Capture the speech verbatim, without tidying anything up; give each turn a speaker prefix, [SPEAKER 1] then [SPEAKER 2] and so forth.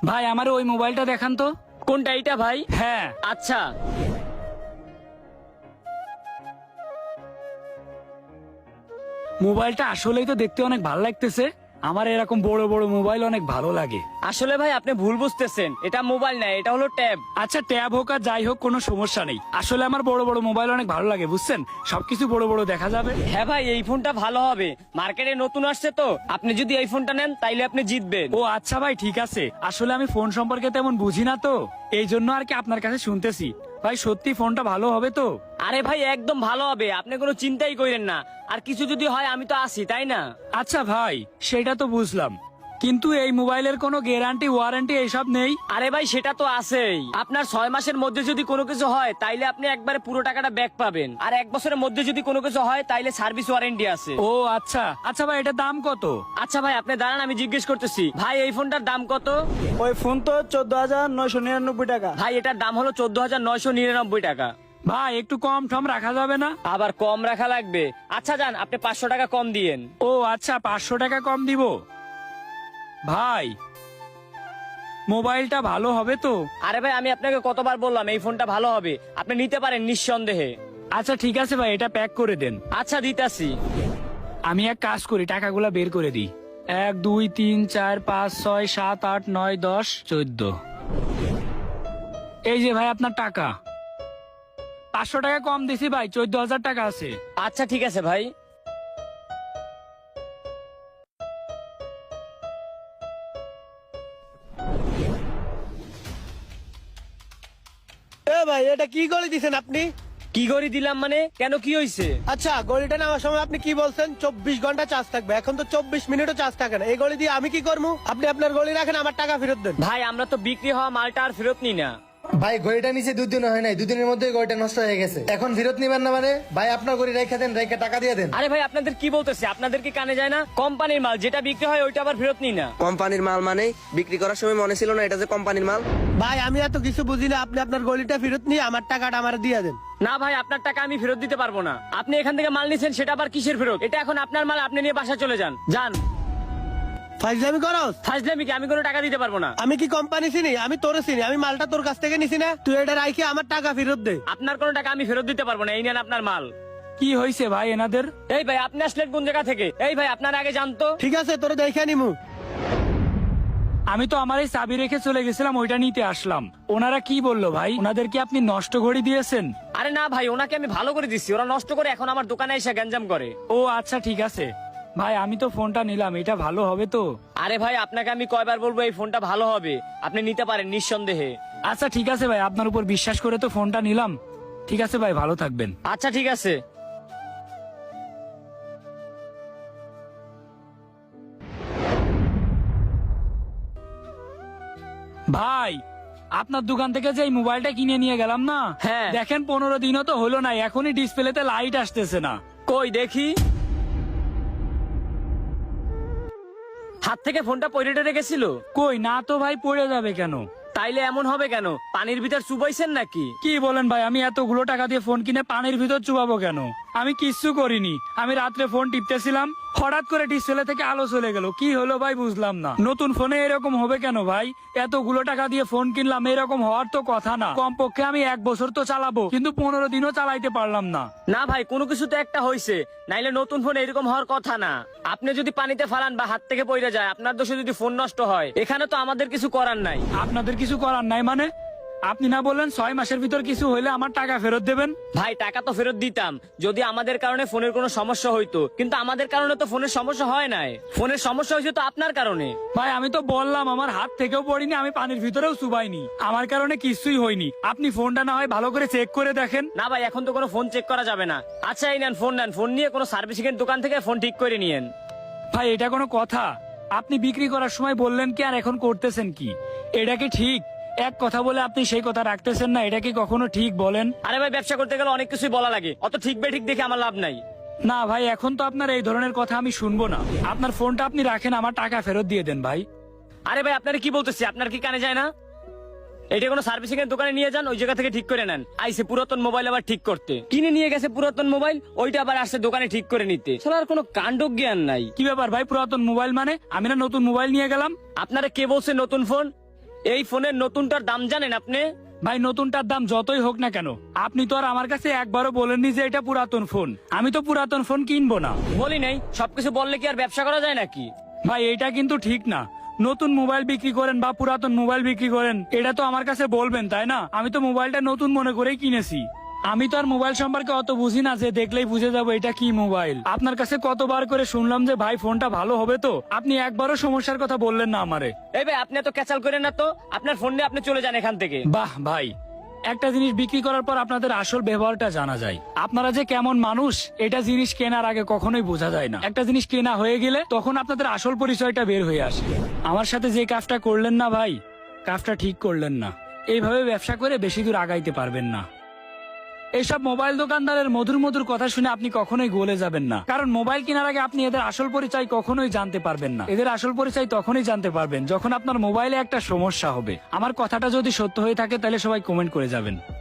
[SPEAKER 1] ভাই আমার ওই মোবাইলটা দেখান তো।
[SPEAKER 2] কোনটা এইটা ভাই?
[SPEAKER 1] হ্যাঁ
[SPEAKER 2] আচ্ছা
[SPEAKER 1] মোবাইলটা আসলেই তো দেখতে অনেক ভালো লাগতেছে। আমার এরকম বড় বড় মোবাইল অনেক ভালো লাগে।
[SPEAKER 2] আসলে ভাই আপনি ভুল বুঝতেছেন, এটা মোবাইল না, এটা হলো ট্যাব।
[SPEAKER 1] আচ্ছা ট্যাব হোক আর যাই হোক কোনো সমস্যা নেই। আসলে আমার বড় বড় মোবাইল অনেক ভালো লাগে বুঝছেন, সবকিছু বড় বড় দেখা যাবে।
[SPEAKER 2] হ্যাঁ ভাই এই ফোনটা ভালো হবে, মার্কেটে নতুন আসছে তো, আপনি যদি এই ফোনটা নেন তাইলে আপনি জিতবেন।
[SPEAKER 1] ও আচ্ছা ভাই ঠিক আছে, আসলে আমি ফোন সম্পর্কে তেমন বুঝি না তো, এই জন্য আর কি আপনার কাছে শুনতেছি। ভাই সত্যি ফোনটা ভালো হবে তো?
[SPEAKER 2] আরে ভাই একদম ভালো হবে, আপনি কোনো চিন্তাই করেন না। আর কিছু যদি হয় আমি তো আছি, তাই না?
[SPEAKER 1] আচ্ছা ভাই সেটা তো বুঝলাম, কিন্তু এই মোবাইলের কোনো গ্যারান্টি ওয়ারেন্টি এইসব নেই?
[SPEAKER 2] আরে ভাই সেটা তো আছেই, আপনার ছয় মাসের মধ্যে যদি কোনো কিছু হয় তাইলে আপনি একবারে পুরো টাকাটা ব্যাক পাবেন, আর এক বছরের মধ্যে যদি কোনো কিছু হয় তাইলে সার্ভিস ওয়ারেন্টি আছে।
[SPEAKER 1] ও আচ্ছা আচ্ছা ভাই এটার দাম কত?
[SPEAKER 2] আচ্ছা ভাই আপনি দাঁড়ান, আমি জিজ্ঞেস করতেছি। ভাই এই ফোনটার দাম কত?
[SPEAKER 3] ওই ফোন তো চোদ্দ হাজার নয়শো নিরানব্বই টাকা।
[SPEAKER 2] ভাই এটার দাম হলো চোদ্দ হাজার নয়শো নিরানব্বই টাকা।
[SPEAKER 1] ভাই একটু কম টম রাখা যাবে না?
[SPEAKER 2] আবার কম রাখা লাগবে? আচ্ছা যান, আপনি পাঁচশো টাকা কম দিয়েন।
[SPEAKER 1] ও আচ্ছা পাঁচশো টাকা কম দিব। ভাই মোবাইলটা ভালো হবে তো?
[SPEAKER 2] আরে ভাই আমি আপনাকে কতবার বললাম এই ফোনটা ভালো হবে, আপনি নিতে পারেন নিঃসন্দেহে।
[SPEAKER 1] আচ্ছা ঠিক আছে ভাই এটা প্যাক করে দেন।
[SPEAKER 2] আচ্ছা দিতাছি।
[SPEAKER 1] আমি এক কাজ করি টাকাগুলা বের করে দিই। এক দুই তিন চার পাঁচ ছয় সাত আট নয় দশ চোদ্দ। এই যে ভাই আপনার টাকা। পাঁচশো টাকা কম দিছি ভাই, চোদ্দ হাজার টাকা আছে।
[SPEAKER 2] আচ্ছা ঠিক আছে ভাই।
[SPEAKER 3] এ ভাই এটা কি গলি দিছেন আপনি?
[SPEAKER 2] কি করে দিলাম মানে? কেন কি হয়েছে?
[SPEAKER 3] আচ্ছা গলিটা নেওয়ার সময় আপনি কি বলছেন চব্বিশ ঘন্টা চার্জ থাকবে, এখন তো চব্বিশ মিনিটও চার্জ থাকে না। এই গলি দিয়ে আমি কি করবো? আপনি আপনার গলি রাখেন, আমার টাকা ফেরত দেন।
[SPEAKER 2] ভাই আমরা তো বিক্রি হওয়া মালটা আর ফেরত নিই না।
[SPEAKER 4] ভাই ঘড়িটা নিচে দুদিন হয় নাই, দুদিনের মধ্যে ঘড়িটা নষ্ট হয়ে গেছে, এখন ফেরত নিবেন না মানে? ভাই আপনার ঘড়ি রেখে দেন, রেখে টাকা দিয়ে দেন।
[SPEAKER 2] আরে ভাই আপনাদের কি বলতেছে, আপনাদের কি কানে যায় না? কোম্পানির মাল যেটা বিক্রি হয় ওইটা আবার ফেরত নিই না।
[SPEAKER 5] কোম্পানির মাল মানে বিক্রি করার সময় মনে ছিল না এটা যে কোম্পানির মাল?
[SPEAKER 3] ভাই আমি এত কিছু বুঝি না, আপনি আপনার গলিটা ফেরত নিয়ে আমার টাকাটা আমার দিয়ে দেন।
[SPEAKER 2] না ভাই আপনার টাকা আমি ফেরত দিতে পারবো না। আপনি এখান থেকে মাল নিছেন, সেটা আবার কিসের ফেরত? এটা এখন আপনার মাল, আপনি নিয়ে বাসা চলে যান। যান।
[SPEAKER 3] ফাইজলামি করস?
[SPEAKER 2] ফাজলামি কি? আমি কোনো টাকা দিতে পারবো না।
[SPEAKER 3] আমি কি কোম্পানি চিনি? আমি তোরে চিনি, আমি মালটা তোর কাছ থেকে নিছি না, তুই এটা রাখি আমার টাকা ফেরত দে।
[SPEAKER 2] আপনার কোনো টাকা আমি ফেরত দিতে পারবো না, এই নেন আপনার মাল।
[SPEAKER 1] কি হয়েছে ভাই এনাদের?
[SPEAKER 2] এই ভাই আপনি আসলেন কোন জায়গা থেকে? এই ভাই আপনার আগে জানতো।
[SPEAKER 3] ঠিক আছে তোরে দেখে নিমু।
[SPEAKER 1] আমি তো আমার এই চাবি রেখে চলে গেছিলাম, ওইটা নিতে আসলাম। ওনারা কি বললো ভাই? ওনাদের কি আপনি নষ্ট ঘড়ি দিয়েছেন?
[SPEAKER 2] আরে না ভাই, ওনাকে আমি ভালো করে দিচ্ছি, ওরা নষ্ট করে এখন আমার দোকানে এসে গ্যাঞ্জাম করে।
[SPEAKER 1] ও আচ্ছা ঠিক আছে ভাই, আমি তো ফোনটা নিলাম, এটা ভালো হবে তো?
[SPEAKER 2] আরে ভাই আপনাকে আমি কয়বার বলবো এই ফোনটা ভালো হবে, আপনি নিতে পারেন নিঃসন্দেহে।
[SPEAKER 1] আচ্ছা ঠিক আছে ভাই, আপনার উপর বিশ্বাস করে তো ফোনটা নিলাম। ঠিক আছে ভাই, ভালো থাকবেন।
[SPEAKER 2] আচ্ছা ঠিক আছে।
[SPEAKER 1] ভাই আপনার দোকান থেকে যে এই মোবাইলটা কিনে নিয়ে গেলাম না,
[SPEAKER 2] হ্যাঁ।
[SPEAKER 1] দেখেন পনেরো দিনও তো হলো না, এখনই ডিসপ্লেতে লাইট আসতেছে না।
[SPEAKER 2] কই দেখি। হাত থেকে ফোনটা পড়ে টেরে গেছিল?
[SPEAKER 1] কই না তো ভাই, পড়ে যাবে কেন?
[SPEAKER 2] তাইলে এমন হবে কেন? পানির ভিতর চুবাইছেন নাকি?
[SPEAKER 1] কি বলেন ভাই, আমি এতগুলো টাকা দিয়ে ফোন কিনে পানির ভিতর চুবাবো কেন? আমি কিচ্ছু করিনি, আমি রাত্রে ফোন টিপতেছিলাম, হঠাৎ করে ডিসপ্লে থেকে আলো চলে গেল, কি হলো ভাই বুঝলাম না। নতুন ফোনে এরকম হবে কেন ভাই? এতগুলো টাকা দিয়ে ফোন কিনলাম, এরকম হওয়ার তো কথা না। কমপক্ষে আমি এক বছর তো চালাবো, কিন্তু পনেরো দিনও চালাইতে পারলাম না।
[SPEAKER 2] না ভাই কোনো কিছু তো একটা হয়েছে, নাইলে নতুন ফোন এরকম হওয়ার কথা না। আপনি যদি পানিতে ফালান বা হাত থেকে পড়ে যায়, আপনার দোষে যদি ফোন নষ্ট হয়, এখানে তো আমাদের কিছু করার নাই।
[SPEAKER 1] আপনাদের কিছু করার নাই মানে? আপনি না বললেন ছয় মাসের ভিতর কিছু হইলে আমার টাকা ফেরত দেবেন?
[SPEAKER 2] ভাই টাকা তো ফেরত দিতাম যদি আমাদের কারণে ফোনের কোনো সমস্যা হইতো, কিন্তু আমাদের কারণে তো ফোনের সমস্যা হয় নাই। ফোনের সমস্যা হয়েছে তো আপনার কারণে।
[SPEAKER 1] ভাই আমি তো বললাম আমার হাত থেকেও পড়িনি, আমি পানির ভিতরেও চুবাইনি, আমার কারণে কিছুই হয়নি। আপনি ফোনটা না হয় ভালো করে চেক করে দেখেন।
[SPEAKER 2] না ভাই এখন তো কোনো ফোন চেক করা যাবে না। আচ্ছা এই নেন ফোন, নেন ফোন নিয়ে কোনো সার্ভিসিং এর দোকান থেকে ফোন ঠিক করে নিয়েন।
[SPEAKER 1] ভাই এটা কোনো কথা? আপনি বিক্রি করার সময় বললেন কি আর এখন করতেছেন কি? এটা কি ঠিক? এক কথা বলে আপনি সেই কথা রাখতেছেন না, এটা কি কখনো ঠিক বলেন?
[SPEAKER 2] আরে ভাই ব্যবসা করতে গেলে অনেক কিছুই বলা লাগে, অত ঠিক বে ঠিক দেখে আমার লাভ নাই।
[SPEAKER 1] না ভাই এখন তো আপনার এই ধরনের কথা আমি শুনবো না। আপনার ফোনটা আপনি রাখেন, আমার টাকা ফেরত দিয়ে দেন ভাই।
[SPEAKER 2] আরে ভাই আপনার কি বলতেছি, আপনার কি কানে যায় না? এটা কোনো সার্ভিসিং এর দোকানে নিয়ে যান, ওই জায়গা থেকে ঠিক করে নেন। আইসে পুরাতন মোবাইল আবার ঠিক করতে, কিনে নিয়ে গেছে পুরাতন মোবাইল, ওইটা আবার আসছে দোকানে ঠিক করে নিতে। শালার কোনো কাণ্ড জ্ঞান নাই।
[SPEAKER 1] কি ব্যাপার ভাই, পুরাতন মোবাইল মানে? আমি না নতুন মোবাইল নিয়ে গেলাম।
[SPEAKER 2] আপনারা কে বলছে নতুন ফোন? এই ফোনের নতুনটার দাম জানেন আপনি?
[SPEAKER 1] ভাই নতুনটার দাম যতই হোক না কেন, আপনি তো আর আমার কাছে একবারও বলেননি যে এটা পুরাতন ফোন। আমি তো পুরাতন ফোন কিনবো না।
[SPEAKER 2] বলি নাই, সবকিছু বললে কি আর ব্যবসা করা যায় নাকি?
[SPEAKER 1] ভাই এটা কিন্তু ঠিক না। নতুন মোবাইল বিক্রি করেন বা পুরাতন মোবাইল বিক্রি করেন, এটা তো আমার কাছে বলবেন, তাই না? আমি তো মোবাইলটা নতুন মনে করেই কিনেছি। আমি তো আর মোবাইল সম্পর্কে অত বুঝি না যে দেখলেই বুঝে যাবো এটা কি মোবাইল। আপনার কাছে কতবার করে শুনলাম যে ভাই ফোনটা ভালো হবে, তো আপনি একবারও সমস্যার কথা বললেন না আমারে।
[SPEAKER 2] এই ভাই আপনি এত ক্যাচাল করেন না তো, আপনার ফোন নিয়ে আপনি চলে যান এখান থেকে।
[SPEAKER 1] বাহ ভাই, একটা জিনিস বিক্রি করার পর আপনাদের আসল ব্যবহারটা জানা যায়। আপনারা যে কেমন মানুষ এটা জিনিস কেনার আগে কখনোই বোঝা যায় না। একটা জিনিস কেনা হয়ে গেলে তখন আপনাদের আসল পরিচয়টা বের হয়ে আসে। আমার সাথে যে কাজটা করলেন না ভাই, কাজটা ঠিক করলেন না। এইভাবে ব্যবসা করে বেশি দূর আগাইতে পারবেন না। এইসব মোবাইল দোকানদারের মধুর মধুর কথা শুনে আপনি কখনোই গলে যাবেন না, কারণ মোবাইল কেনার আগে আপনি এদের আসল পরিচয় কখনোই জানতে পারবেন না। এদের আসল পরিচয় তখনই জানতে পারবেন যখন আপনার মোবাইলে একটা সমস্যা হবে। আমার কথাটা যদি সত্য হয়ে থাকে তাহলে সবাই কমেন্ট করে যাবেন।